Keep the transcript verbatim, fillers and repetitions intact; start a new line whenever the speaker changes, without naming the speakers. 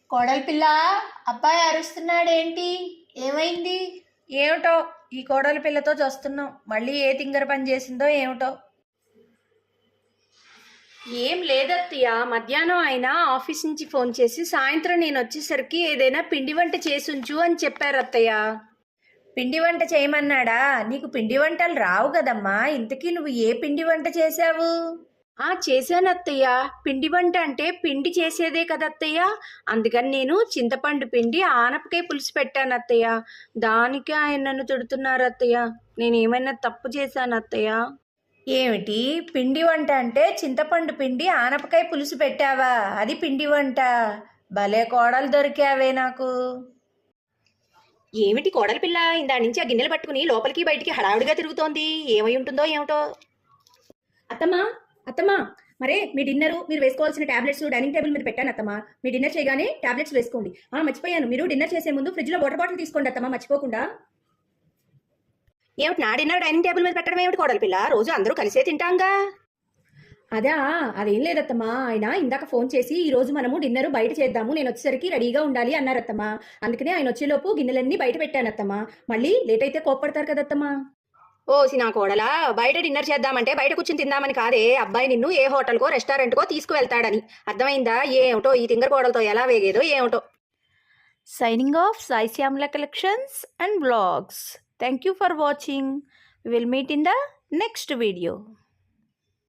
కోడలి పిల్ల, అబ్బాయి అరుస్తున్నాడేంటి? ఏమైంది?
ఏమిటో ఈ కోడలి పిల్లతో చూస్తున్నాం. మళ్ళీ ఏ తింగర పని చేసిందో ఏమిటో. ఏం లేదత్తయ్య, మధ్యాహ్నం అయినా ఆఫీస్ నుంచి ఫోన్ చేసి సాయంత్రం నేను వచ్చేసరికి ఏదైనా పిండి వంట చేసుంచు అని చెప్పారు అత్తయ్య. పిండి వంట చేయమన్నాడా? నీకు పిండి వంటలు రావు కదమ్మా. ఇంతకీ నువ్వు ఏ పిండి వంట చేశావు? ఆ చేశాను అత్తయ్య. పిండి వంట అంటే పిండి చేసేదే కదత్తయ్య. అందుకని నేను చింతపండు పిండి ఆనపకాయ పులుసు పెట్టాను అత్తయ్య. దానికి ఆయన నన్ను తిడుతున్నారు అత్తయ్య. నేనేమైనా తప్పు చేశాను అత్తయ్య? ఏమిటి పిండి వంట అంటే చింతపండు పిండి ఆనపకాయ పులుసు పెట్టావా? అది పిండి వంట? భలే కోడలు దొరికావే నాకు. ఏమిటి కోడలి పిల్ల ఇందా నుంచి ఆ గిన్నెలు పట్టుకుని లోపలికి బయటికి హడావుడిగా తిరుగుతోంది? ఏమై ఉంటుందో ఏమిటో. అత్తమ్మా అత్తమ్మా, మరే మీ డిన్నరు మీరు వేసుకోవాల్సిన టాబ్లెట్స్ డైనింగ్ టేబుల్ మీద పెట్టాను అత్తమ్మా. మీ డిన్నర్ చేయగానే టాబ్లెట్స్ వేసుకోండి. ఆ మర్చిపోయాను, మీరు డిన్నర్ చేసే ముందు ఫ్రిడ్జ్లో వాటర్ బాటిల్ తీసుకోండి అత్తమ్మా, మర్చిపోకుండా. ఏమిటి నా డిన్నర్ డైనింగ్ టేబుల్ మీద పెట్టడం ఏమిటి కోడలి పిల్ల? రోజు అందరూ కలిసే తింటాంగా. అదా, అదేం లేదత్తమ్మా. ఆయన ఇందాక ఫోన్ చేసి ఈ రోజు మనము డిన్నర్ బయట చేద్దాము, నేను వచ్చేసరికి రెడీగా ఉండాలి అన్నారత్తమ్మా. అందుకనే ఆయన వచ్చేలోపు గిన్నెలన్నీ బయట పెట్టానత్తమ్మా. మళ్ళీ లేట్ అయితే కోప్పడతారు కదత్తమ్మా. ఓ సినా కోడలా, బయట డిన్నర్ చేద్దామంటే బయట కూర్చుని తిందామని కాదే. అబ్బాయి నిన్ను ఏ హోటల్కో రెస్టారెంట్కో తీసుకువెళ్తాడని. అర్థమైందా? ఏమిటో ఈ తింగర కోడలతో ఎలా వేగేదో ఏమిటో. Signing off Sai Shyamala collections and vlogs. Thank you for watching. We will meet in the next video.